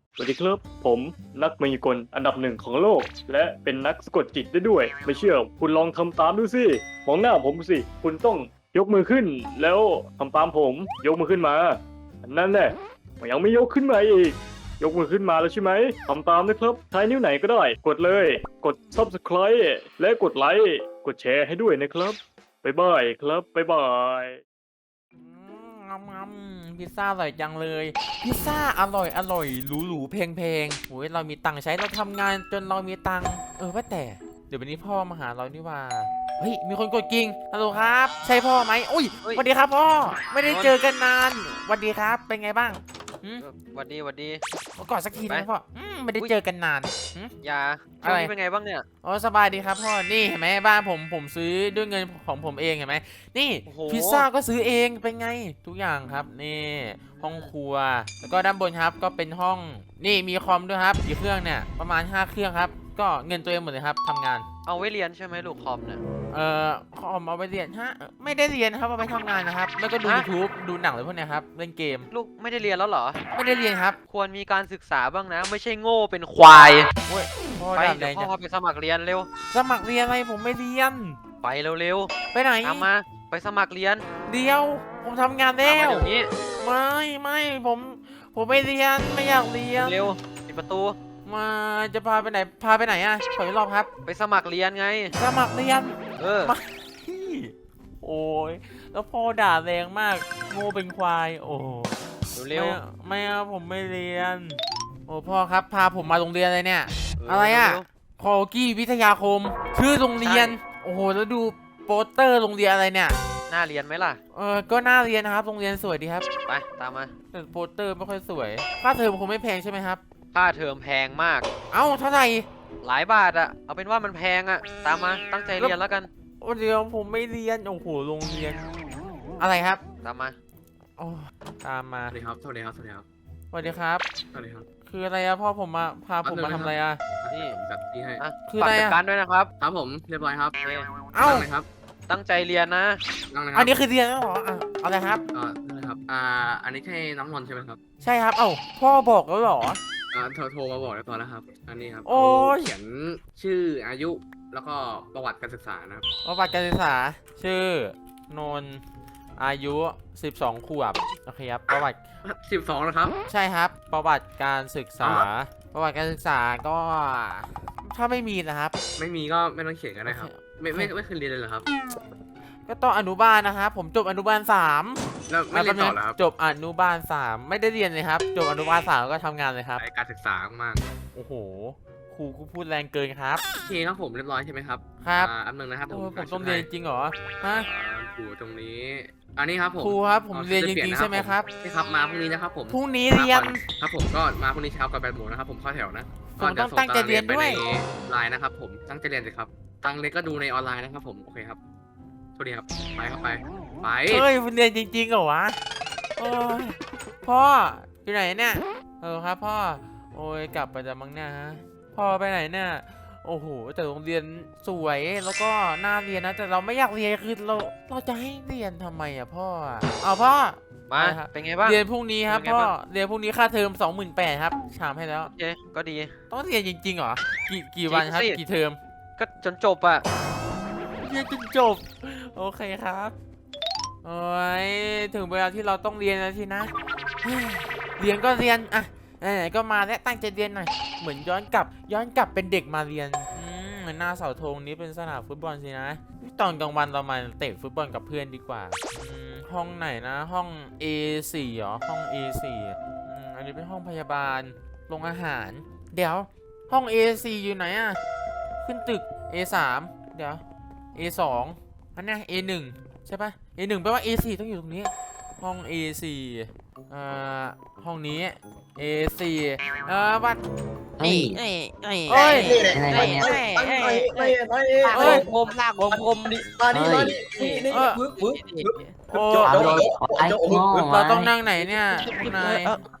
สวัสดีครับผมนักมายากลอันดับหนึ่งของโลก และเป็นนักสะกดจิตได้ด้วย ไม่เชื่อคุณลองทำตามดูสิมองหน้าผมสิคุณต้องยกมือขึ้น แล้วทำตามผมยกมือขึ้นมานั่นแหละยังไม่ยกขึ้นมาอีกยกมือขึ้นมาแล้วใช่ไหมทำตามนะครับใช้นิ้วไหนก็ได้กดเลยกด Subscribe และกดไลค์กดแชร์ให้ด้วยนะครับบ๊ายบายครับบ๊ายบายพิซซ่าอร่อยจังเลยพิซซ่าอร่อยหรูแพงโอ้ยเรามีตังค์ใช้เราทำงานจนเรามีตังค์ว่าแต่เดี๋ยววันนี้พ่อมาหาเรานี่ว่าเฮ้ยมีคนกดกิ่งฮัลโหลครับใช่พ่อไหมอุ้ยสวัสดีครับพ่อไม่ได้เจอกันนานสวัสดีครับเป็นไงบ้างหวัดดีกอดสักทีนะพ่อไม่ได้เจอกันนานยาช่วงนี้เป็นไงบ้างเนี่ยอ๋อสบายดีครับพ่อนี่เห็นไหมบ้านผมซื้อด้วยเงินของผมเองเห็นไหมนี่พิซซ่าก็ซื้อเองเป็นไงทุกอย่างครับนี่ห้องครัวแล้วก็ด้านบนครับก็เป็นห้องนี่มีคอมด้วยครับกี่เครื่องเนี่ยประมาณ5 เครื่องครับก็เงินตัวเองหมดเลยครับทำงานเอาไว้เรียนใช่ไหมลูกคอมเนี่ยคอมเอาไปเรียนฮะไม่ได้เรียนครับเอาไปทำงานนะครับแล้วก็ดู YouTube ดูหนังอะไรพวกนี้ครับเล่นเกมลูกไม่ได้เรียนแล้วเหรอไม่ได้เรียนครับควรมีการศึกษาบ้างนะไม่ใช่โง่เป็นควายไปเดี๋ยวพ่อไปสมัครเรียนเร็วสมัครเรียนอะไรผมไม่เรียนไปเร็วไปไหนตามมาไปสมัครเรียนเดี๋ยวผมทำงานแล้วเดี๋ยวนี้ไม่ผมไม่เรียนไม่อยากเรียนเร็วปิดประตูมาจะพาไปไหนอ่ะขออีกรอบครับไปสมัครเรียนไงสมัครเรียนมาโอ้ยแล้วพ่อด่าแรงมากโง่เป็นควายโอ้เร็วไม่เอาผมไม่เรียนโอ้พ่อครับพาผมมาโรงเรียนอะไรเนี่ยอะไรอ่ะคอกี้วิทยาคมชื่อโรงเรียนโอ้โหแล้วดูโปสเตอร์โรงเรียนอะไรเนี่ยน่าเรียนไหมล่ะก็น่าเรียนนะครับโรงเรียนสวยดีครับไปตามมาแต่โปสเตอร์ไม่ค่อยสวยค่าเทอมคงไม่แพงใช่ไหมครับค่าเทอมแพงมากเอ้าเท่าไหร่หลายบาทอะเอาเป็นว่ามันแพงอะตามมาตั้งใจเรียนแล้วกันเดี๋ยวผมไม่เรียนโอ้โหโรงเรียนอะไรครับตามมาโอ้ตามมาสวัสดีครับสวัสดีครับสวัสดีครับสวัสดีครับสวัสดีครับคืออะไรอะพ่อผมมาพาผมมาทำอะไรอะนี่จัดที่ให้คืออะไรจัดการด้วยนะครับครับผมเรียบร้อยครับเอ้าครับตั้งใจเรียนนะอันนี้คือเรียนแล้วเหรออะไรครับนี่ครับอันนี้ใช่น้องนนท์ใช่ไหมครับใช่ครับเอ้าพ่อบอกแล้วเหรอโทรมาบอกแล้วตอนแล้วครับอันนี้ครับโอ้เขียนชื่ออายุแล้วก็ประวัติการศึกษานะครับประวัติการศึกษาชื่อนนท์อายุ12 ขวบโอเคครับประวัติ 12นะครับใช่ครับประวัติการศึกษาประวัติการศึกษาก็ถ้าไม่มีนะครับไม่มีก็ไม่ต้องเขียนก็ได้ครับไม่เคยเรียนเลยเหรอครับก็ต้องอนุบาลนะครับผมจบอนุบาล3 แล้วไม่เรียนต่อเหรอครับจบอนุบาล3ไม่ได้เรียนเลยครับจบอนุบาล3ก็ทำงานเลยครับการศึกษามากโอ้โหครูพูดแรงเกินครับโอเคครับผมเรียบร้อยใช่ไหมครับครับอันหนึ่งนะครับผมต้องเรียนจริงเหรอฮะอยู่ตรงนี้อันนี้ครับผมครูครับผมเรียนจริงๆใช่ไหมครับนี่ครับมาพรุ่งนี้นะครับผมพรุ่งนี้เรียนครับผมก็มาพรุ่งนี้เช้ากับ8 โมงนะครับผมเข้าแถวนะผมต้องตั้งใจเรียนด้วยไลน์นะครับผมตั้งใจเรียนสิครับตั้งเลยก็ดูในออนไลน์นะครับผมโอเคครับสวัสดีครับไปเข้าไปเฮ้ยคุณเรียนจริงๆเหรอวะโอ้ยพ่ออยู่ไหนเนี่ยครับพ่อโอ้ยกลับไปจะมั้งเนี่ยฮะพ่อไปไหนเนี่ยโอ้โหแต่โรงเรียนสวยแล้วก็น่าเรียนนะแต่เราไม่อยากเรียนคือเราจะให้เรียนทำไมอ่ะพ่อเอาพ่อมาเป็นไงบ้างเรียนพรุ่งนี้ครับพ่อเรียนพรุ่งนี้ค่าเทอม28,000ครับถามให้แล้วโอเคก็ดีต้องเรียนจริงๆเหรอกี่วันครับกี่เทอมก็จนจบอ่ะเรียนจนจบโอเคครับโอ้ยถึงเวลาที่เราต้องเรียนแล้วสินะเรียนก็เรียนอ่ะไหนก็มาแล้วตั้งใจเรียนหน่อยเหมือนย้อนกลับเป็นเด็กมาเรียนหน้าเสาธงนี้เป็นสนามฟุตบอลสินะตอนกลางวันเรามาเตะฟุตบอลกับเพื่อนดีกว่าห้องไหนนะห้อง A4 เหรอห้อง A4 อันนี้เป็นห้องพยาบาลโรงอาหารเดี๋ยวห้อง A4 อยู่ไหนอ่ะขึ้นตึก A3 เดี๋ยว A2 อันนี้ A1 ใช่ปะ A1 แปลว่า A4 ต้องอยู่ตรงนี้ห้อง A4 ห้องนี้ A4 บัตรผมลากผมดิมาดิเราต้องนั่งไหนเนี่ยนายเ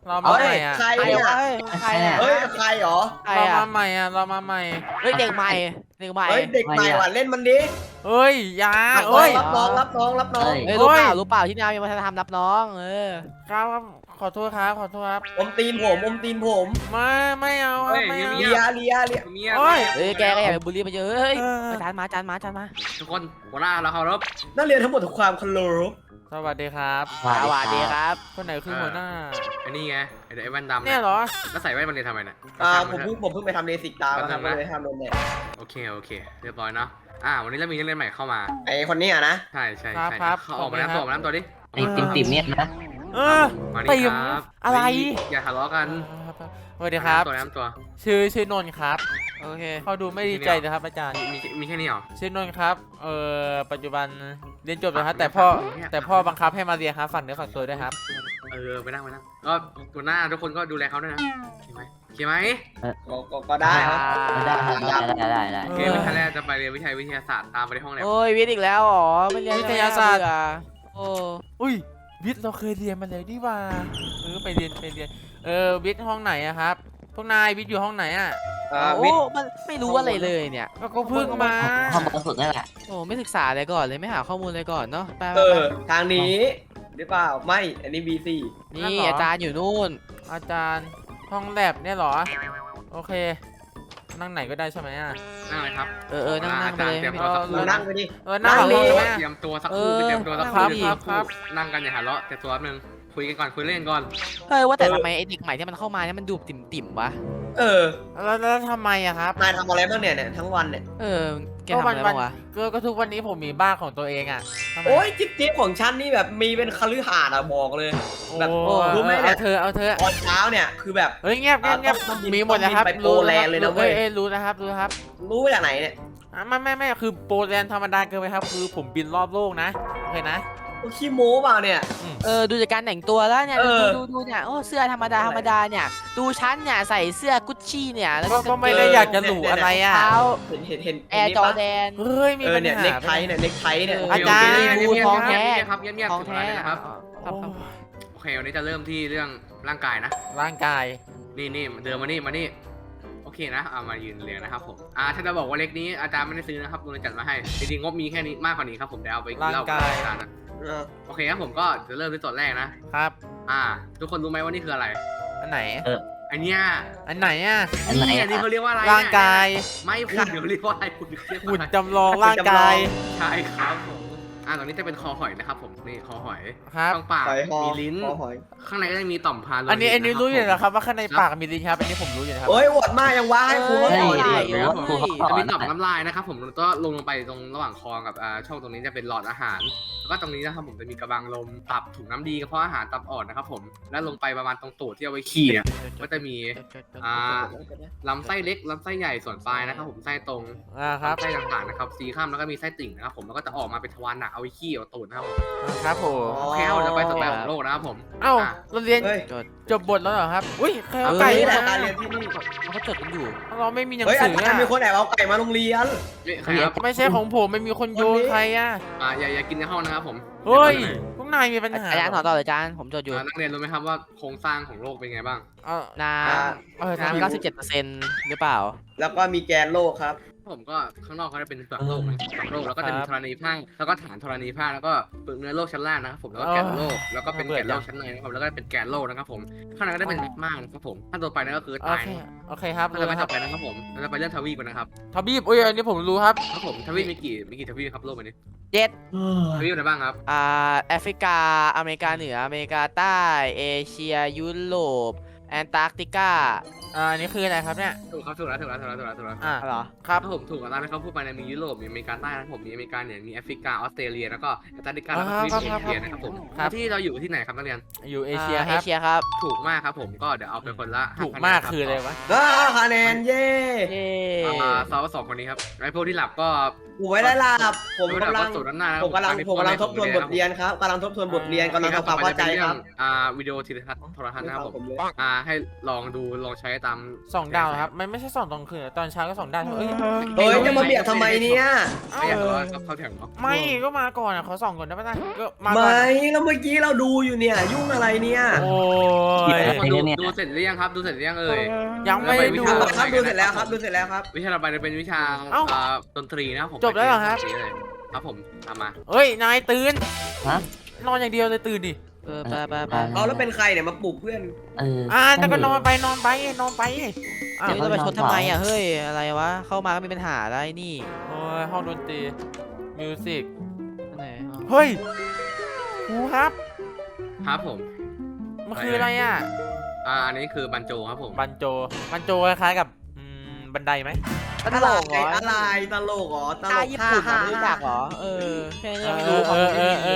เรามาใหม่อ่ะใครใครเนี่ยวะใครเนี่ยเฮ้ยใครเหรอใครเราอ่ะมาใหม่อ่ะเรามาใหม่เฮ้ยเด็กใหม่เด็กใหม่เฮ้ยเด็กใหม่ว่ะเล่นมันดิเฮ้ยอยารับน้อเฮ้งยรับน้องรับน้องรับน้องเฮ้ยรู้เปล่ารู้เปล่าที่นายมีวัฒนธรรมรับน้องครับขอโทษครับขอโทษครับอมตีนผมอมตีนผมไม่เอาครับไม่เอาเลียเลียเลียเมียโอ้ยเฮ้ยแกก็อย่าไปบูลลี่มันเยอะเฮ้ยเออจานมาจานมาจานมาทุกคนหัวหน้าเราเคารพนักเรียนทั้งหมดทุกความเคารพสวัสดีครับสวัสดีครับคนไหนคือหัวหน้าอันนี้ไงไอ้แว่นดำเนี่ยเหรอแล้วใส่แว่นมันเลยทำไมเนี่ยผมเพิ่งไปทำเลสิกตามาครับเลยทำโดนแดดโอเคเรียบร้อยเนาะวันนี้เรามีนักเรียนใหม่เข้ามาไอคนนี้อ่ะนะใช่ครับเขาออกมาแล้วตัวดิไอ้ติ่มเนี่ยนะเออมาติ่นี่มครับอะไรอย่าทะเลาะกันสวัสดีครับน้ำตัวชื่อนนท์ครับโอเคเขาดูไม่ดีใจเลยครับอาจารย์มีแค่นี้เหรอชื่อนนท์ครับปัจจุบันเรียนจบแล้วครับแต่พ่อบังคับให้มาเรียนครับฝากเนื้อฝากตัวด้วยครับไปนั่งก็หัวหน้าทุกคนก็ดูแลเขาด้วยนะโอเคไหมก็ได้ได้โอเควิชาแรกจะไปเรียนวิทยาศาสตร์ตามไปที่ห้องแลบโอ้ยวิทย์อีกแล้วเหรอไม่เรียนวิทยาศาสตร์โอ้อุ้ยวิทย์เราเคยเรียนมาเลยดีว่าไปเรียนวิทย์ห้องไหนอะครับพวกนายวิทย์อยู่ห้องไหนอะโอ้มันไม่รู้อะไรเลยเนี่ยก็เพิ่งมาห้องบนสุดนั่นแหละโอ้ไม่ศึกษาเลยก่อนเลยไม่หาข้อมูลเลยก่อนเนาะไปทางนี้หรือเปล่าไม่อันนี้ B4 นี่อาจารย์อยู่นู่นอาจารย์ห้องแลบเนี่ยเหรอโอเคนั่งไหนก็ได้ใช่ไหมอะนั่งเลยครับนั่งไปเลยเตรียมตัวสักครู่เรานั่งไปดินั่งนั่งเลดิยเตรียมตัวสักครู่เตรียมตัวสักคครัรู่บครับนั่งกันอย่าทะเลาะแต่ตัวนึงคุยกันก่อนคุยเล่นก่อนเฮ้ยว่าแต่ทำไมไอ้เด็กใหม่ที่มันเข้ามาเนี่ยมันดูติ่มวะแล้วทำไมอะครับนายทำอะไรบ้างเนี่ยทั้งวันเนี่ยแกทำอะไรบ้างวะก็ทุกวันนี้ผมมีบ้านของตัวเองอะทำไมโอ้ยจิ๊บของฉันนี่แบบมีเป็นคฤหาสน์อะบอกเลย แบบโอ้รู้ไหมเนี่ยเอาเธอตอนเช้าเนี่ยคือแบบเฮ้ยเงียบต้องบินมีหมดนะครับไปโปแลนด์เลยนะเว้ยรู้นะครับรู้มาจากไหนเนี่ยไม่คือโปแลนด์ธรรมดาเกินไปครับ คือผมบินรอบโลกนะโอเคนะขี้โม้เปล่าเนี่ยดูจากการแต่งตัวแล้วเนี่ยเออดูเนี่ยโอ้เสื้อธรรมดาเนี่ยดูฉันเนี่ยใส่เสื้อกุชชี่เนี่ยแล้วก็ไม่ได้อยากจะหรูอะไรอ่ะเท้าเห็นแอร์จอแดนเฮ้ยมีปัญเนี่ยหาเน็กไทเนี่ยเน็กไทเนี่ยอาจารย์เงียบของแท้ครับเงียบของถึงแท้เวลานะครับครับโอเควันนี้จะเริ่มที่เรื่องร่างกายนะร่างกายนี่เดินมานี่โอเคนะมายืนเรียงนะครับผมถ้าจะบอกว่าเล็กนี้อาจารย์ไม่ได้ซื้อนะครับโดนจัดมาให้จริงๆงบมีแค่นี้มากกว่านี้ครับผมเดี๋ยวเอาไปกินเหล้ากับอาจารย์นะโอเคครับผมก็จะเริ่มที่ตัวแรกนะครับ ทุกคนรู้ไหมว่านี่คืออะไรอันไหนอันเนี้ยอันไหนอ่ะนี่เขาเรียกว่าอะไรร่างกายไม่คุณเดี๋ยวเรียกว่าอะไรคุณเรียกว่าหุ่นอะไรจำลองร่างกายใช่ครับผมตรงนี้จะเป็นคอหอยนะครับผมนี่คอหอยครับข้างปากหอยหอมีลิ้นหอยข้างในก็จะมีต่อมพาโลหิตอันนี้รู้อยู่นะแล้วครับว่าข้างในปากมีลิ้นครับอันนี้ผมรู้อยู่นะครับโอ้ยอวดมากยังว่าให้ครูเขาสอนดิจะมีต่อมน้ำลายนะครับผมแล้วก็ลงไปตรงระหว่างคอกับช่องตรงนี้จะเป็นหลอดอาหาร แล้วก็ตรงนี้นะครับผมจะมีกระบังลมตับถุงน้ำดีกระเพาะอาหารตับอ่อนนะครับผมแล้วลงไปประมาณตรงตูดที่เอาไว้ขี้เนี่ยก็จะมีลำไส้เล็กลำไส้ใหญ่ส่วนปลายนะครับผมไส้ตรงครับไส้ต่างๆนะครับสีข้ามแล้วก็มีไส้ติ่งนะครับผมแล้วก็จะออกมาเป็นทวารหนักเอาไว้ขี้เอาตูดนะครับผมครับผมโอเคครับเราจะไปต่อไปของโลกนะครับผมเอ้าเราเรียนเฮ้ยจบบทแล้วเหรอครับอุ้ยใครเอาไก่ไก่นี่แหละมาการเรียนที่นี่เขาจดกันอยู่เราไม่มีหนังเฮ้ยสือาอจารย์มีคนแอบเอาไก่มาโรงเรียนใครครับไม่ใช่ของผมไม่มีคนโยนใครอ่ะอย่ากินในห้องนะครับผมเฮ้ยพวกนายมีปัญหาอาจารย์ถอนต่อเลยอาจารย์ผมจดอยู่นักเรียนรู้ไหมครับว่าโครงสร้างของโลกเป็นไงบ้างน้ำทำ 97%หรือเปล่าแล้วก็มีแกนโลกครับผมก็ข้างนอกเขาจะเป็นเปลือกโลกนะเปลือกโลกแล้วก็จะมีธรณีภาคแล้วก็ฐานธรณีภาคแล้วก็เปลือกเนื้อโลกชั้นล่างนะครับผมแล้วก็แกนโลกแล้วก็เป็นแกนโลกชั้นในนะครับแล้วก็เป็นแกนโลกนะครับผมข้างในก็ได้เป็นแมกมานะครับผมขั้นต่อไปนั่นก็คือโอตายเคโอเคครับขั้นต่อไปต่อไปนะครับผมเราจะไปเรื่องทวีปกันนะครับทบีบอุ้ยอันนี้ผมรู้ครับครับผมทวีปมีกี่ทวีปครับโลกใบนี้ 7 ทวีปอะไรบ้างครับแอฟริกาอเมริกาเหนืออเมริกาใต้เอเชียยุโรปแอนตาร์กติกาอันนี้คืออะไรครับเนี่ยถูกครับถูกแล้วเหรอครับถ้าผมถูกแล้วนะเขาพูดไปในมียุโรปมีอเมริกาใต้นะครับผมมีอเมริกาเหนือมีแอฟริกาออสเตรเลียแล้วก็แอนตาร์กติกาแล้วก็ทวีปเอเชียนะครับผมที่เราอยู่ที่ไหนครับนักเรียนอยู่เอเชียคเอรับเชียครับถูกมากครับผมก็เดี๋ยวเอาไปคนละถูกมากคืออะไรวะคะแนนเย่เย้สองคนนี้ครับไอ้พวกที่หลับก็กูไม่ได้หลับผมกำลังสูตรด้านหน้าผมกำลังทบทวนบทเรียนครับกำลังทบทวนบทเรียนกำลังทำความเข้าใจครับวิดีโอโทรทัศน์นะครับผมผมเลยให้ลองดูลองใช้ตาม 2 ดาวครับมันไม่ใช่2 ตอนคืนตอนเช้าก็2 ดาวเอ้ยเฮ้ยจะมาเบียดทำไมเนี่ยไม่อยากรู้ว่าเข้าแถวเนาะไม่ก็มาก่อนอ่ะขอ2 ก่อนได้ปะนะก็มาก่อนไม่แล้วเมื่อกี้เราดูอยู่เนี่ย ยุ่งอะไรเนี่ยโอ้ยทุกคนดูเสร็จหรือยังครับดูเสร็จหรือยังเอ่ยยังไม่ได้ดูครับดูเสร็จแล้วครับดูเสร็จแล้วครับวิชาต่อไปจะเป็นวิชาเอ้าดนตรีนะครับผมจบแล้วเหรอครับดนตเลยครับผมตามมาเฮ้ยนายตื่นฮะนอนอย่างเดียวเลยตื่นดิไปเอาแล้วเป็นใครเนี่ยมาปลุกเพื่อนแต่ก็นอนไปอ้าวเดี๋ยวจะมาชนทำไมอ่ะเฮ้ยอะไรวะเข้ามาก็มีปัญหาอะไรนี่โอ้ยห้องดนตรีมิวสิกไหนเฮ้ยครูครับครับผมมันคืออะไรอ่ะอันนี้คือบันโจครับผมบันโจคล้ายๆกับบันไดไหมตลกเหรออะไรตลกเหรอตลท่าก ญี่ปุ่นอะรู้จักเหรอแค่นี้ไม่รู้ความรู้ดี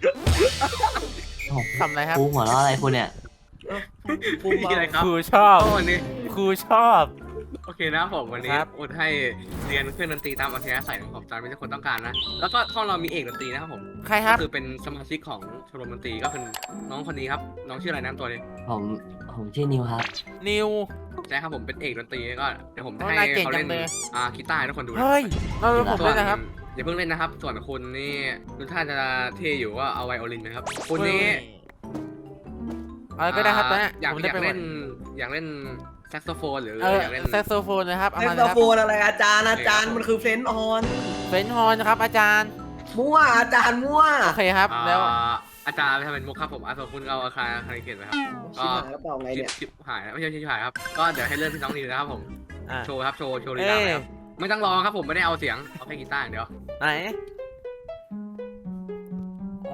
ทำอะไรครับครูหัวเราะอะไรคุณเนี่ยภูมิอะไรครับครูชอบก็วันนี้ครูชอบโอเคนะครับผมวันนี้ครับอุดให้เรียนเครื่องดนตรีตามอัธยาศัยของผมตามที่ทุกคนต้องการนะแล้วก็ห้องเรามีเอกดนตรีนะครับผมใครครับก็คือเป็นสมาชิกของชมรมดนตรีก็คือน้องคนนี้ครับน้องชื่ออะไรน้ำตัวนี้ผมชื่อนิวครับนิวใช่ครับผมเป็นเอกดนตรีก็เดี๋ยวผมจะโอ้ให้นายเก่งเขาจัเล่นงเลยกีตาร์ให้ทุกคนดูนะเฮ้ยเราผมส่ด้ววยนะครับอย่าเพิ่งเล่นนะครับ ส่วนคุณนี่ดูท่าจะเท่อยู่ก็เอาไวโอลินไหมครับคุณนี่อะไรก็ได้ครับตอนเนี้ยอยากผมอจะยากไปหมเล่ดนอยากเล่นแซกโซโฟนหรืออยากเล่นแซกโซโฟนนะครับเอาแซกมาเลโซยครับโฟนอะไรอาจารย์มันคือเฟรนออนเฟนฮอร์นครับอาจารย์มั่วอาจารย์มั่วโอเคครับแล้วอาจารย์ไปทำเป็นมุกครับผมส่วนคุณเอาอาคารเกตไหมครับชิบหายแล้วเปล่าไงเนี่ยชิบหายไม่ใช่ชิบหายครับก็เดี๋ยวให้เริ่มที่น้องนิวนะครับผมอ่ะโชว์ครับโชว์ลีลาเลยครับไม่ต้องร้องครับผมไม่ได้เอาเสียงเอาแค่กีตาร์อย่างเดียวไหนโอ้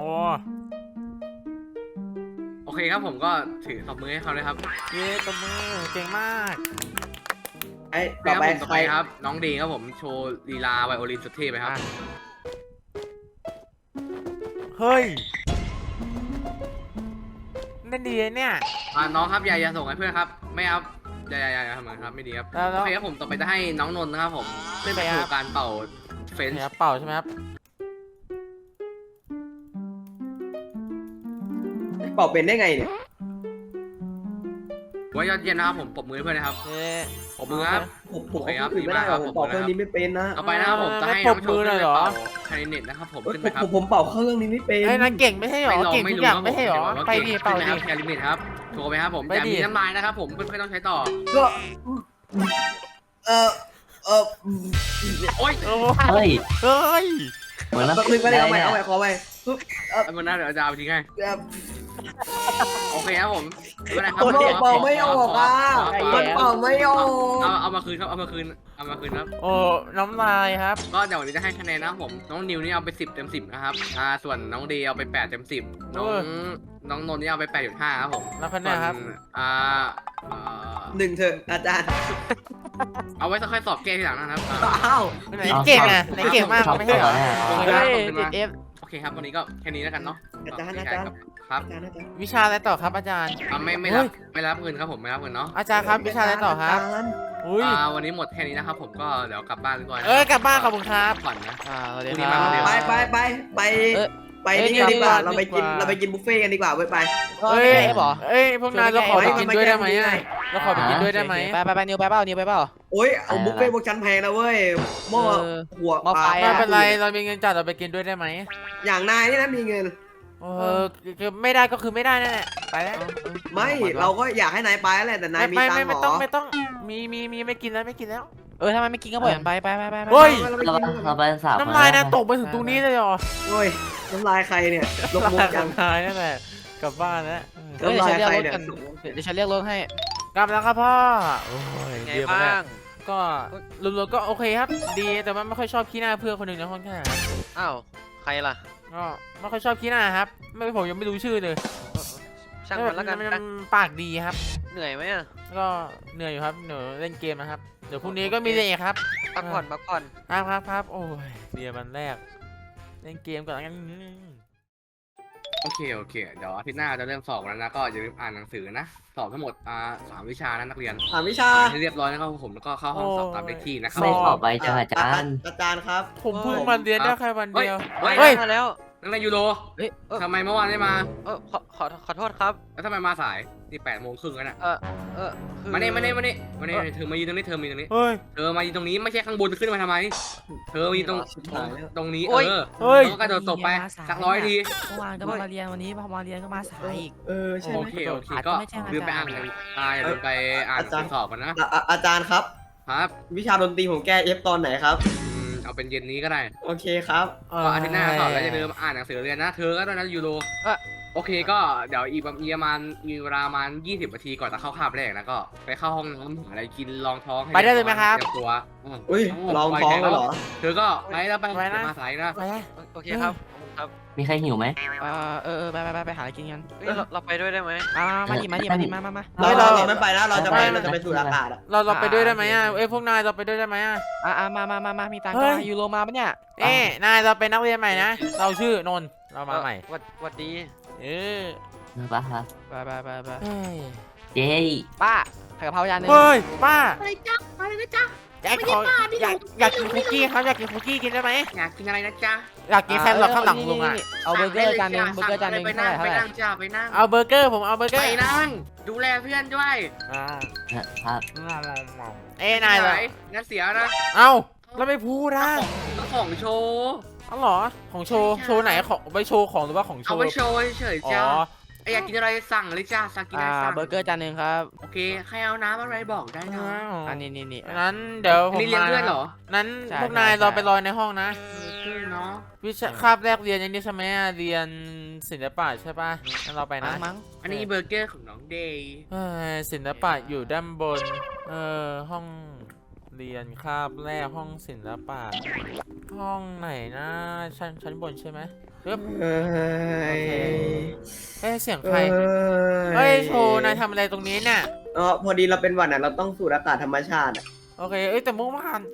โอเคครับผมก็ถือตบมือให้เขาเลยครับเย้ตบมือเก่งมากไอ้ต่ต่ออไปไปต่อใคไปรครับน้องดีครับผมโชว์ลีลาไวโอลินสุดเท่ไปครับอ่ะ เฮ้ยเล่นดีเนี่ยน้องครับอย่าส่งให้เพื่อนครับไม่ครับอย่าทำเหมือนครับไม่ดีครับแล้วโอเคครับผมต่อไปจะให้น้องนนท์นะครับผมเล่นไปโชว์การเป่าเฟนช์เนี่ยเป่าใช่ไหมครับเป่าเป็นได้ไงเนี่ยว่ายอดเยี่ยมนะครับผมปรบมือให้เพื่อนนะครับเย้ปรบมือครับผมโอเคครับอื่นไม่ได้หรอกดีผมมากครับเป่าเครื่องนี้ไม่เป็นนะต่อไปนะครับผมจะให้น้องโชว์เล่นเป่าคาริเนตนะครับผมขึ้นไปครับผมเป่าเครื่องนี้ไม่เป็นไอ้ยนายเก่งไม่ใช่หรอ เก่งทุกอย่างไม่ใช่หรอครับไปดิเป่าขึ้นดินะครับคาริเนตครับโชว์ไปครับผมไปอย่าดิมีน้ำลายนะครับผมเพื่อนๆต้องใช้ต่อก็เออโอ๊ยโอ้เฮ้ยเฮ้ยเหมือนแล้วแป๊บนึงก็ได้เอาใหม่ขอใหม่มันน่าเดี๋ยวจะเอาไปทิ้งให้แบบโอเคครับผมไม่เป็นไรครับผมเป่าไม่ออกอ่ะขมันเป่าไม่ออกเอามาคืนครับเอามาคืนครับโอ้น้ำลายครับก็เดี๋ยววันนี้จะให้คะแนนนะครับผมน้องนิวนี่เอาไป10 เต็ม 10นะครับส่วนน้องเดย์เอาไป8 เต็ม 10น้องนนท์นี่เอาไป8.5ครับผมแล้วคะแนนครับส่วนหนึ่งเถอะอาจารย์เอาไว้ค่อยสอบแก้ทีหลังนะครับอ้าวไหนเก่งอ่ะไหนเก่งมากไม่ใช่เหรอเฮ้ยติดเอฟโอเคครับวันนี้ก็แค่นี้แล้วกันเนาะอาจารย์ครับวิชาอะไรต่อครับอาจารย์ไม่รับเงินครับผมไม่รับเงินเนาะอาจารย์ครับวิชาอะไรต่อครับอุ้ยวันนี้หมดแค่นี้นะครับผมก็เดี๋ยวกลับบ้านดีกว่ากลับบ้านขอบคุณครับผ่อนนะสวัสดีพรุ่งคนี้รัมาคนเดียวบไปนี่กันดีกว่าเราไปกินบุฟเฟ่กันดีกว่าไปเฮ้ยเอฟเหรอเอ้ยพวกนายเราขอไปกินด้วยได้ไหมอ่ะเราขอไปกินด้วยได้ไหมไปนิวไปเปล่านิวไปเปล่าโอ้ยเอาบุฟเฟ่พวกฉันแพงนะเว้ยหม้อหัวไม่เป็นไรเรามีเงินจ่ายเราไปกินด้วยได้ไหมอย่างนายนี่นะมีเงินคือไม่ได้ก็คือไม่ได้นั่นแหละไปแล้วไม่เราก็อยากให้นายไปแหละแต่นายมีตังค์หรไม่ต้องอมีไม่กินแล้วไม่กินแล้วถ้ามันไม่กินก็ปล่อยมันไปเฮ้ยเราไปสาวน้ำลายนะตกไปถึงตรงนี้เลยเหรอโอ้ยน้ำลายใครเนี่ยลงมุกยังน้ำลายนั่นแหละกลับบ้านแล้วเดี๋ยวฉันเรียกรถกันเดี๋ยวฉันเรียกรถให้กลับแล้วครับพ่อโอ้ยไงเยี่ยมบ้มากางก็รวมๆก็โอเคครับ ดีแต่ว่าไม่ค่อยชอบขี้หน้าเพื่อนคนหนึ่งในห้องแค่อ้าวใครล่ะก็ไม่ค่อยชอบขี้หน้าครับไม่ผมยังไม่รู้ชื่อเลยช่างมันแล้วกันมันปากดีครับเหนื่อยไหมอ่ะก็เหนื่อยอยู่ครับเหนื่อยเล่นเกมนะครับเดี๋ยวพรุ่งนี้ก็มีเรียนอีกครับพักผ่อนพักผ่อนครับโอ้ยเรียนวันแรกเล่นเกมก่อนแล้วกันโอเคเดี๋ยวอาทิตย์หน้าจะเริ่มสอบแล้วนะก็อย่าลืมอ่านหนังสือนะสอบทั้งหมด3 วิชานะนักเรียนถามวิชาให้เรียบร้อยนะครับผมแล้วก็เข้าห้องสอบตามเลขที่นะครับไม่สอบไปจังอาจารย์อาจารย์ครับผมเพิ่งมาเรียนได้แค่วันเดียวเฮ้ยเฮ้ยมาแล้วนักเรียนยูโรเฮ้ยทำไมเมื่อวานไม่มาขอโทษครับแล้วทำไมมาสายนี่8:30แล้วน่ะคือมานี่เธอมายืนตรงนี้เธอมายืนตรงนี้เฮ้ยเธอมายืนตรงนี้ไม่ใช่ข้างบนขึ้นมาทำไม เธอมายืนตรงนี้เออเฮ้ยแล้วก็กระโดดตบไปสัก100 ทีเมื่อวานก็มาเรียนวันนี้พอมาเรียนก็มาสายอีกใช่ไหมโอเคก็ลืมไปอ่านลืมไปอ่านอาจารย์สอบกันนะอาจารย์ครับครับวิชาดนตรีผมแก้เอฟตอนไหนครับเอาเป็นเย็นนี้ก็ได้โอเคครับก็อาทิตย์หน้าสอบแล้วอย่าลืมอ่านหนังสือเรียนนะ เธอก็ด้วยนะยูโรโอเคก็เดี๋ยวอีกประมาณมีเวลาประมาณ20 นาทีก่อนจะเข้าคาบแรกนะก็ไปเข้าห้องน้ำหาอะไรกินรองท้องให้ไปได้เลยไหมครับเตรียมตัวอุ้ยลองท้องเลยเหรอเธอก็ไปแล้วไปไปนะมาสายนะไปนะโอเคครับครับมีใครหิวไหมไปหาอะไรกินกันเฮ้ยเราไปด้วยได้ไหมมาดิมาเราไม่ไปนะเราจะไปสูดอากาศอะเราไปด้วยได้ไหมอ่ะเอ้ยพวกนายเราไปด้วยได้ไหมอ่ะมามีตังค์เฮ้ก็ยยูโรมาปะเนี่ยเอ้นายเราเป็นนักเรียนใหม่นะ เราชื่อนนท์เรามาใหม่วัดดีเออป้าครับไปเฮ้ยเจ๊ป้าผัดกะเพราจานนึงเฮ้ยป้าอะไรจ๊ะอะไรนะจ๊ะอยากกินคุกกี้ครับอยากกินคุกกี้กินได้ไหมอยากกินอะไรนะจ๊ะอยากกินแครอทข้างหลังลุงอ่ะเอาเบอร์เกอร์จานนึงไปเท่านั่งไหร่จ้าไปนั่งเอาเบอร์เกอร์ผมเอาเบอร์เกอไปร์นั่งดูแลเพื่อนด้วยอ่าครับเอ้นายเหรองั้นเสียนะเอ้าเราไม่พูดนะต้องของโชว์อ๋อเหรอของโชว์โชว์ไหนของไปโชว์ของหรือว่าของโชเอาว์ไปโชว์เฉยอ๋ๆจ้าออยากกินอะไรสั่งเลยจ้าสั่งกินอะไรสั่งเบอร์เกอร์จานนึงครับโอเคใครเอาน้ำอะไรบอกได้นะอันนี้นั้นเดี๋ยวผมนี่เรียนมาเพื่อนเหรอนั้นใช่พวกนายใช่เราไปรอในห้องนะเพื่อนเนาะวิชาคาบแรกเรียนอย่างนี้ใช่ไหมอะเรียนศิลปะใช่ป่ะงั้นเราไปนะมั้งอันนี้เบอร์เกอร์ของน้องเดย์เฮ้ยศิลปะอยู่ด้านบนห้องเรียนคาบแรกห้องศิลปะห้องไหนนะชั้นบนใช่ไหมปึ๊บเอ้ยเสียงใครเฮ้ยโชว์นายทำอะไรตรงนี้เนี่ยพอดีเราเป็นหวัดน่ะเราต้องสูดอากาศธรรมชาติอะโอเคแต่เมื่อวาน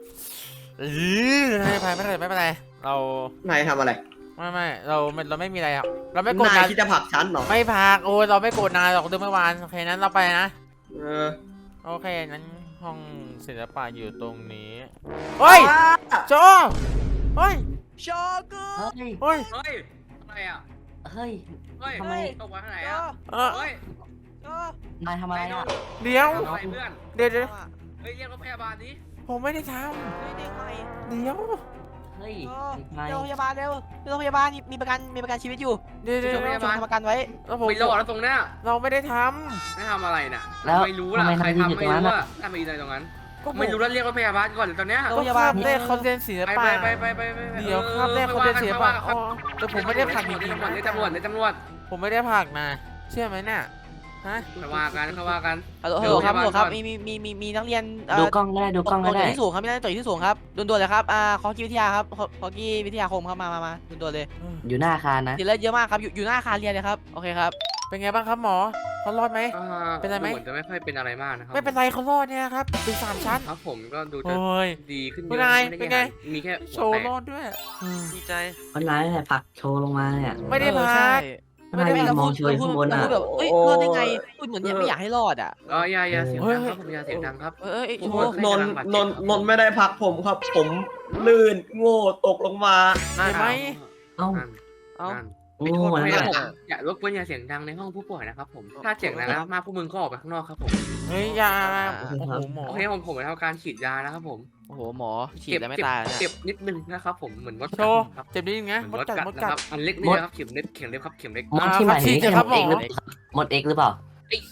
ไม่เป็นไรเรานายทำอะไรไม่เราไม่มีอะไรครับเราไม่โกรธนายนายคิดจะผลักฉันเหรอไม่พักโอ้ยเราไม่โกรธนายหรอกเรื่องเมื่อวานโอเคนั้นเราไปนะเออโอเคนั้นห้องศิลปะอยู่ตรงนี้เฮ้ยโจเฮ้ยโชกุเฮ้ยเฮ้ยเฮ้ยอะไรอ่ะเฮ้ยเฮ้ยทำไมตกมาข้างไหนอ่ะเออเฮ้ยนายทำอะไรอ่ะเดี๋ยวทำอะไรเพื่อนเดี๋ยวเฮ้ยเรียกรถพยาบาลดิผมไม่ได้ทเด็กใหม่ำเดี๋ยวเฮ้ยนายโรงพยาบาลเร็วโรงพยาบาลมีประกันชีวิตอยู่เดี๋ยวชมทำประกันไว้แล้วผมไม่รอดแล้วตรงเนี้ยเราไม่ได้ทไม่ทำอะไรน่ะแล้วไม่รู้ล่ะทำไมใครนายยืนทำอยู่ไม่ตรงนั้นรู้อ่ะอ่ะทำไมยืนอะไรตรงนั้นำก็ไม่รู้แล้วเรียกรถพยาบาลก่อนเลยตอนเนี้ยก็คาบแรกเขาเรียนศิลไปปะไปเดี๋ยวคาบแรกเขาเรียนศิลปะอ๋อแต่ผมไม่ได้ผลักจริงๆในนะตำรวจในตำรวจผมไม่ได้ผลักนะเชื่อไหมเนี่ยฮะเขาว่ากันเขาว่ากันฮัลโหลครับมีนักเรียนดูกล้องก็ได้ดูกล้องก็ได้ที่สูงครับมีนักเรียนต่อยที่สูงครับด่วนๆเลยครับคอกี้วิทยาครับคอกี้วิทยาคมครับมาด่วนๆเลยอยู่หน้าอาคารนะติดเลือดเยอะมากครับอยู่หน้าอาคารเรียนเลยครับโอเคครับเป็นไงบ้างครับหมอเขารอดไหม เป็นไรไหมเหมือนจะไม่ค่อยเป็นอะไรมากนะครับไม่เป็นไรเขารอดเนี่ยครับถึง3 ชั้นครับผมก็ดูจะโอ้ยดีขึ้นเยเป็นอะไงม่ด้เป็นไงมีแค่โชหัวว์แตกรอดด้วยดีใจวันนั้นแหละผลักโชว์ลงมาเนี่ยไม่ได้พักนายยืนมองเฉยข้างบนอ่ะพูดแบบเอ้ยรอดได้ไงพูดเหมือนเนี่ยไม่อยากให้รอดอ่ะอย่าเสียงดังครับผมอย่าเสียงดังครับโอ้โหนนไม่ได้พักผมครับ ผมลื่นโง่ตกลงมาเห็นไหมเอ้าเอ้าโอ้โหนั่นแหละอย่ารบกวนอย่าเสียงดังในห้องผู้ป่วยนะครับผมถ้าเสียงดังมากพวกมึงก็ออกไปข้างนอกครับผมเฮ้ยยาโอ้โหหมอโอเคผมไปทำการฉีดยานะครับผมโอ้โหหมอฉีดแล้วไม่ตายเนี่ยเจ็บนิดนึงนะครับผมเหมือนมดโชกัดว์ครับเจ็บนิดนึงนะเหมมือนดมดกัดกัดมดนะกัคดรับอันเล็กนี่นะครับเข็มเล็กครับเข็มเล็กมดที่หมายถึงฉีดครับหมอมดเอ็กหรือเปล่า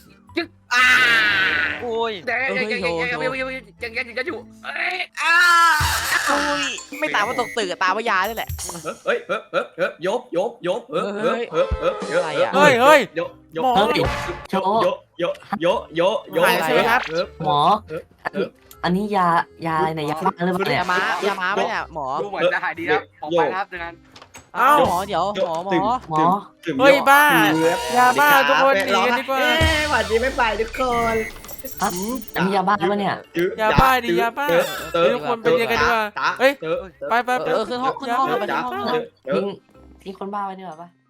โอ้ยแต่ยังอยู่ไม่ตามว่าตกตึกตามว่ายาด้วยแหละเฮ้ยยกยกเฮ้ยโชหายยใช่ไหมครับหมอ อันนี้ยาอะไรเนี่ยยาบ้าหรือเปล่าเนี่ยยาม้าไหมเนี่ยหมอดูเหมือนจะหายดีแล้วออกไปครับดังนั้นเอ้าหมอเดี๋ยวหมอหมอเฮ้ยบ้า ยาบ้าทุกคนหนีกันดีกว่าหวัดดีไม่ไปทุกคนอันนี้ยาบ้าปะเนี่ยยาบ้าดิยาบ้าเฮ้ยทุกคนไปเรียนกันดีกว่าเฮ้ยไปขึ้นห้องไปห้องทิ้งคนบ้าไว้ดีกว่าปะ